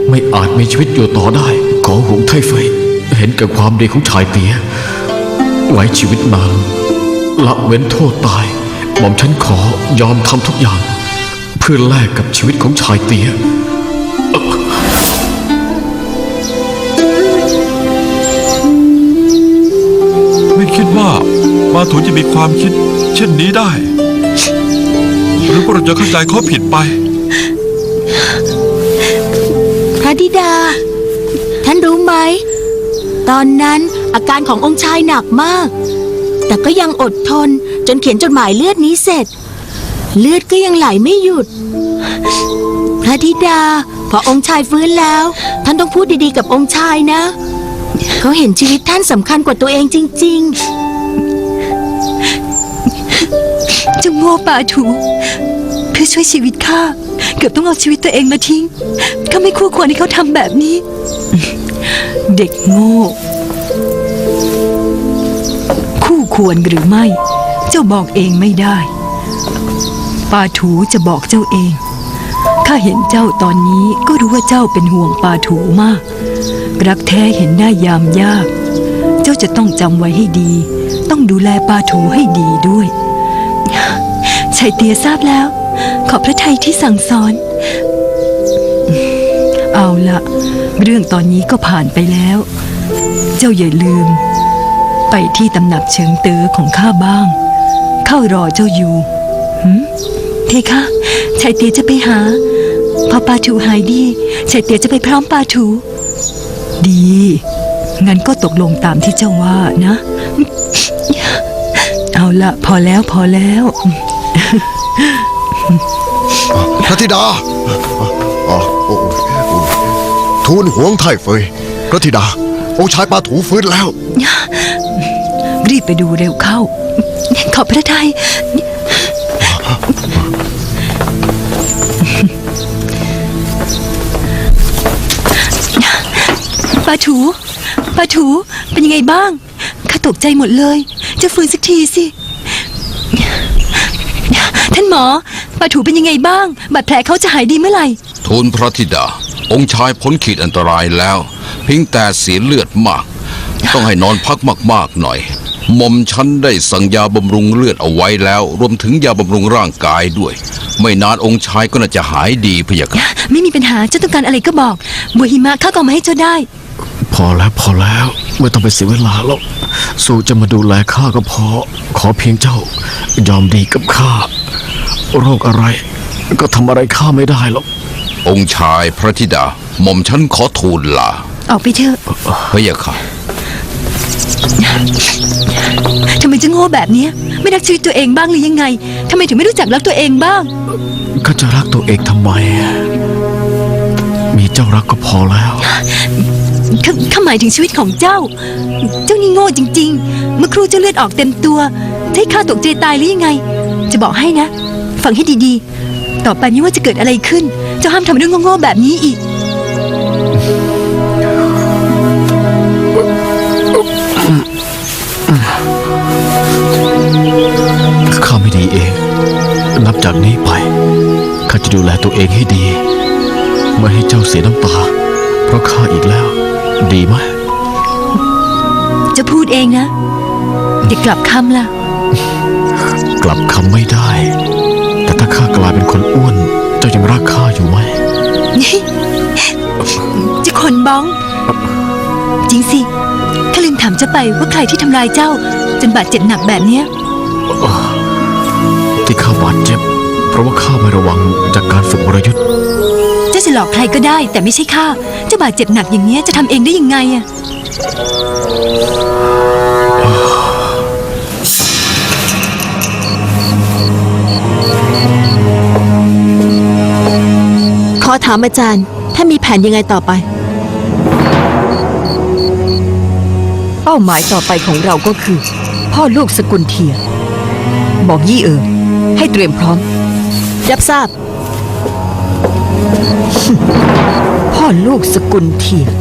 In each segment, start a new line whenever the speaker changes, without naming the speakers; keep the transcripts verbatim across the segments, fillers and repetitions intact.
ไม่อาจมีชีวิตอยู่ต่อได้ขอหงไทเฟยเห็นกับความดีของชายเตี้ยไว้ชีวิตนางละเว้นโทษตายหม่อมฉันขอยอมทำทุกอย่างเพื่อแลกกับชีวิตของชายเตี้ย
ไม่คิดว่ามาถูจะมีความคิดเช่นนี้ได้หรือว่าเราจะเข้าใจเขาผิดไป
พระธิดาท่านรู้ไหมตอนนั้นอาการขององค์ชายหนักมากแต่ก็ยังอดทนจนเขียนจดหมายเลือดนี้เสร็จเลือดก็ยังไหลไม่หยุดพระธิดาพอองค์ชายฟื้นแล้วท่านต้องพูดดีๆกับองค์ชายนะเขาเห็นชีวิตท่านสำคัญกว่าตัวเองจริง
เจ้าโง่ป่าถูเพื่อช่วยชีวิตข้าเกือบต้องเอาชีวิตตัวเองมาทิ้งข้าไม่คู่ควรให้เขาทำแบบนี้เด็กโง่คู่ควรหรือไม่เจ้าบอกเองไม่ได้ป่าถูจะบอกเจ้าเองข้าเห็นเจ้าตอนนี้ก็รู้ว่าเจ้าเป็นห่วงป่าถูมากรักแท้เห็นได้ยามยากเจ้าจะต้องจำไว้ให้ดีต้องดูแลป่าถูให้ดีด้วยชายเตียทราบแล้วขอบพระทัยที่สั่งสอนเอาละเรื่องตอนนี้ก็ผ่านไปแล้วเจ้าอย่าลืมไปที่ตำหนักเฉิงเต๋อของข้าบ้างเข้ารอเจ้าอยู่หืมเทคะชายเตียจะไปหาพอปาถูหายดีชายเตียจะไปพร้อมปาถูดีงั้นก็ตกลงตามที่เจ้าว่านะเอาละพอแล้วพอแล้ว
พระธิดาทูลหวงไทเฟยพระธิดาองค์ชายปาถูฟื้นแล้ว
รีบไปดูเร็วเข้าขอบพระทัยปาถูปาถูเป็นยังไงบ้างข้าตกใจหมดเลยจะฟื้นสักทีสิท่านหมอปาถูเป็นยังไงบ้างบาดแผลเขาจะหายดีเมื่อไหร่
ทูลพระธิดาองค์ชายพ้นขีดอันตรายแล้วเพียงแต่เสียเลือดมากต้องให้นอนพักมากๆหน่อยหม่อมฉันได้สั่งยาบำรุงเลือดเอาไว้แล้วรวมถึงยาบำรุงร่างกายด้วยไม่นานองค์ชายก็น่าจะหายดีพะยะค่ะ
ไม่มีปัญหาเจ้าต้องการอะไรก็บอกบัวหิมะข้าก็มาให้เจ้าได้
พอแล้วพอแล้วไม่ต้องไปเสียเวลาแล้วสู่จะมาดูแลข้าก็พอขอเพียงเจ้ายอมดีกับข้าโรคอะไรก็ทำอะไรข้าไม่ได้หรอก
องค์ชายพระธิดาหม่อมฉันขอทูลลา
ออกไปเถอะ
พะยะค่ะ
ทำไมจะโง่แบบนี้ไม่รักชีวิตตัวเองบ้างหรือยังไงทำไมถึงไม่รู้จักรักตัวเองบ้าง
ก็จะรักตัวเองทำไมมีเจ้ารักก็พอแล้ว
ข้าหมายถึงชีวิตของเจ้าเจ้านี่โง่จริงๆเมื่อครูเจ้าเลือดออกเต็มตัวจะให้ข้าตกใจตายหรือยังไงจะบอกให้นะฟังให้ดีๆต่อไปไม่ว่าจะเกิดอะไรขึ้นเจ้าห้ามทำเรื่องโง่ๆแบบนี้อีก
ข้าไม่ดีเองนับจากนี้ไปข้าจะดูแลตัวเองให้ดีไม่ให้เจ้าเสียน้ำตาเพราะข้าอีกแล้วดีไหม
จะพูดเองนะอย่ากลับคำล่ะ
กลับคำไม่ได้แต่ถ้าข้ากลายเป็นคนอ้วนเจ้ายังรักข้าอยู่ไหม
จะคนบ้องจริงสิข้าลืมถามเจ้าไปว่าใครที่ทำลายเจ้าจนบาดเจ็บหนักแบบเนี้ย
ที่ข้าบาดเจ็บเพราะว่าข้าไม่ระวังจากการฝึกวรยุทธ์
เจ้าจะหลอกใครก็ได้แต่ไม่ใช่ข้าเจ้าบาดเจ็บหนักอย่างนี้จะทำเองได้ยังไงอะ
ขอถามอาจารย์ถ้ามีแผนยังไงต่อไป
เป้าหมายต่อไปของเราก็คือพ่อลูกสกุลเทียบอกยี่เอ๋อให้เตรียมพร้อม
รับทราบ
พ่อลูกสกุลเทีย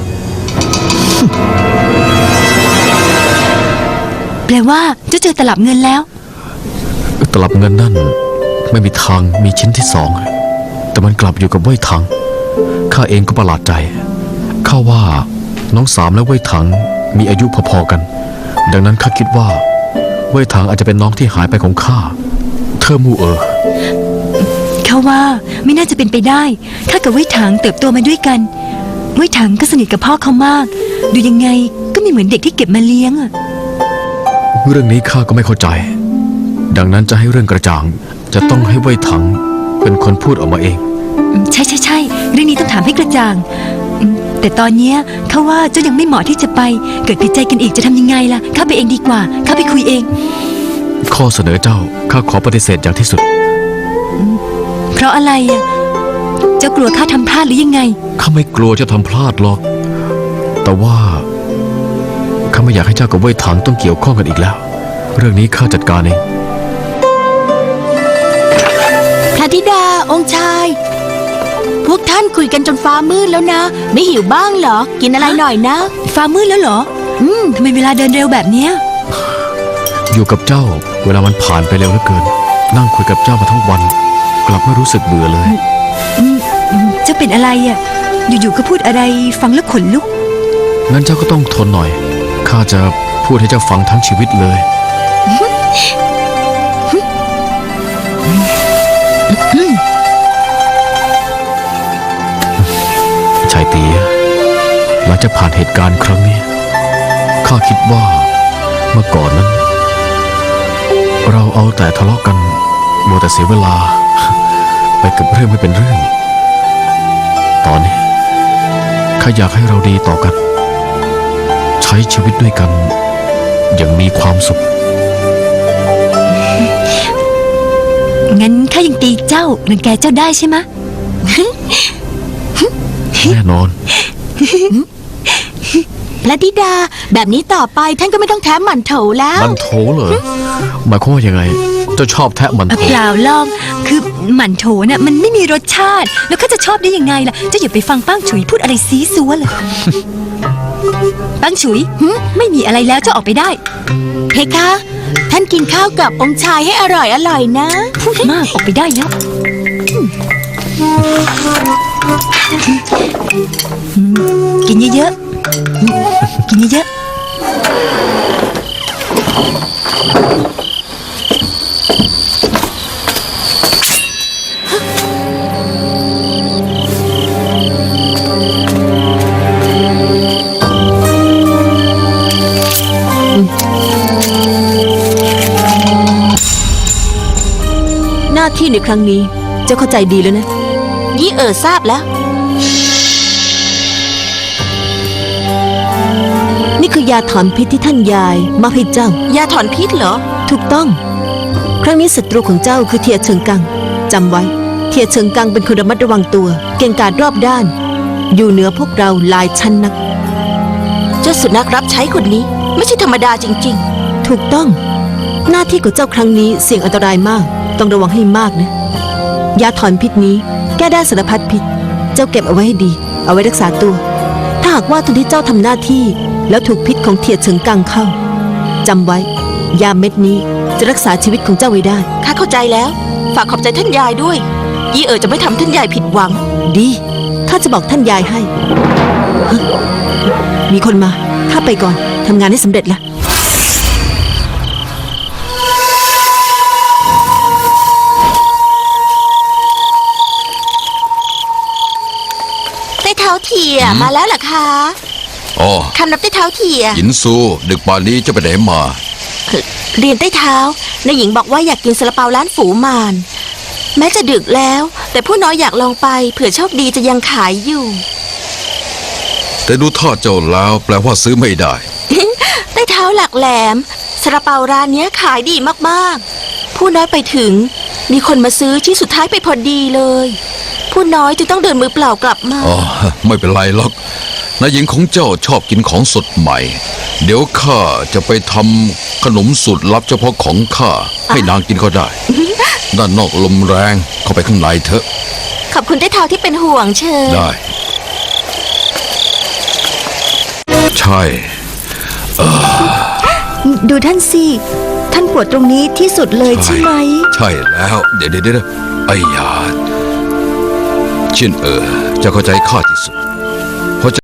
แปลว่าเจ้าเจอตลับเงินแล้ว
ตลับเงินนั่นไม่มีทางมีชิ้นที่สองแต่มันกลับอยู่กับเว่ยถังขข้าเองก็ประหลาดใจข้าว่าน้องสามและเว่ยถังมีอายุพอๆกัน ดังนั้นข้าคิดว่าเว่ยถังอาจจะเป็นน้องที่หายไปของข้าเธอมู่เอ๋อ
เขาว่าไม่น่าจะเป็นไปได้ข้ากับเว่ยถังเติบโตมาด้วยกันเว่ยถังก็สนิทกับพ่อเขามาก ดูยังไงก็ไม่เหมือนเด็กที่เก็บมาเลี้ยงอะ
เรื่องนี้ข้าก็ไม่เข้าใจ ดังนั้นจะให้เรื่องกระจ่างจะต้องให้เว่ยถังเป็นคนพูดออกมาเอง
อืมใช่ใช่ใช่เรื่องนี้ต้องถามให้กระจ่างอืมแต่ตอนเนี้ยเขาว่าเจ้ายังไม่เหมาะที่จะไป เกิดผิดใจกันอีกจะทำยังไงล่ะข้าไปเองดีกว่าข้าไปคุยเอง
ข้อเสนอเจ้าข้าขอปฏิเสธอย่างที่สุด
เพราะอะไรอ่ะเจ้ากลัวข้าทำพลาดหรือยังไง
ข้าไม่กลัวจะทำพลาดหรอก แต่ว่าข้าไม่อยากให้เจ้ากับเว่ยถังต้องเกี่ยวข้องกันอีกแล้ว เรื่องนี้ข้าจัดการเอง
พระธิดาองค์ชาย พวกท่านคุยกันจนฟ้ามืดแล้วนะ ไม่หิวบ้างเหรอ กินอะไรหน่อยนะ
ฟ้ามืดแล้วเหรอ อืมทำไมเวลาเดินเร็วแบบเนี้ย
อยู่กับเจ้าเวลามันผ่านไปเร็วเหลือเกิน นั่งคุยกับเจ้ามาทั้งวัน กลับไม่รู้สึกเบื่อเลย
อืมอืมเจ้าเป็นอะไรอ่ะ อยู่ๆก็พูดอะไรฟังแล้วขนลุก
งั้นเจ้าก็ต้องทนหน่อย ข้าจะพูดให้เจ้าฟังทั้งชีวิตเลย ชายเตียหลังจากผ่านเหตุการณ์ครั้งนี้ ข้าคิดว่าเมื่อก่อนนั้น เราเอาแต่ทะเลาะกันมัวแต่เสียเวลา ไปกับเรื่องไม่เป็นเรื่อง ตอนนี้ข้าอยากให้เราดีต่อกัน ใช้ชีวิตด้วยกันอย่างมีความสุข
งั้นข้ายังตีเจ้ารังแกเจ้าได้ใช่ไหมะ
แน่นอน
พระธิดาแบบนี้ต่อไปท่านก็ไม่ต้องแถมหมั่นโถแล้ว
มันโถเหรอหมายความว่ายังไง เจ้าชอบแทะมัน
เอ่อ
โถ
เปล่าลอง คือหมั่นโถน่ะมันไม่มีรสชาติ แล้วข้าจะชอบได้ยังไงล่ะ เจ้าอย่าไปฟังป้างฉุยพูดอะไรซีซัวเลย ป้างฉุยหึไม่มีอะไรแล้วเจ้าออกไปได้
เพคะ ท่านกินข้าวกับองค์ชายให้อร่อยอร่อยๆนะ
พูดมากออกไปได้แล้วอืมกินเยอะๆอืมกินเยอะๆ
หน้าที่ในครั้งนี้เจ้าเข้าใจดีแล้วนะ
ยี่เอ๋อทราบแล้ว
นี่คือยาถอนพิษที่ท่านยายมอบให้เจ้า
ยาถอนพิษเหรอ
ถูกต้อง ครั้งนี้ศัตรูของเจ้าคือเทียเฉิงกังจำไว้ เทียเฉิงกังเป็นคนระมัดระวังตัว เก่งกาจรอบด้าน อยู่เหนือพวกเราหลายชั้นนัก
เจ้าสุนัขรับใช้คนนี้ ไม่ใช่ธรรมดาจริง
ถูกต้อง หน้าที่ของเจ้าครั้งนี้เสี่ยงอันตรายมาก ต้องระวังให้มากนะ ยาถอนพิษนี้แก้ได้สารพัดพิษ เจ้าเก็บเอาไว้ให้ดี เอาไว้รักษาตัว ถ้าหากว่าตอนที่เจ้าทำหน้าที่ แล้วถูกพิษของเทียเฉิงกังเข้าจำไว้ ยาเม็ดนี้จะรักษาชีวิตของเจ้าไว้ได้
ๆ ข้าเข้าใจแล้ว ฝากขอบใจท่านยายด้วย ยี่เอ๋อจะไม่ทำท่านยายผิดหวัง
ดีข้าจะบอกท่านยายให้ฮะมีคนมาข้าไปก่อนทำงานให้สำเร็จละ
ใต้เท้าเถี่ยมาแล้วเหรอคะ
อ๋อ
คำนับใต้เท้าเถี่ย
หยินซูดึกป่านนี้จะไปไหนมา
เรียนใต้เท้านายหญิงบอกว่าอยากกินซาลาเปาร้านฝูมาน แม้จะดึกแล้ว แต่ผู้น้อยอยากลองไปเผื่อโชคดีจะยังขายอยู่
แต่ดูท่าเจ้าแล้วแปลว่าซื้อไม่ได้
ใต้เท้าหลักแหลมซาลาเปาร้านเนี้ยขายดีมากๆ ผู้น้อยไปถึง มีคนมาซื้อที่สุดท้ายไปพอดีเลย ผู้น้อยจึงต้องเดินมือเปล่ากลับมา
อ๋อ ไม่เป็นไรหรอกนายหญิงของเจ้าชอบกินของสดใหม่ เดี๋ยวข้าจะไปทำขนมสูตรลับเฉพาะของข้าให้นางกินก็ได้ ด้านนอกลมแรงเข้าไปข้างในเถอะ
ขอบคุณใต้เท้าที่เป็นห่วงเชิญ
ได้ ใช่
ดูท่านสิท่านปวดตรงนี้ที่สุดเลยใช่ไหม
ใช่แล้ว เดี๋ยวเดี๋ยวเดี๋ยวไอ้ยาเชียนเอ๋อจะเข้าใจข้าที่สุด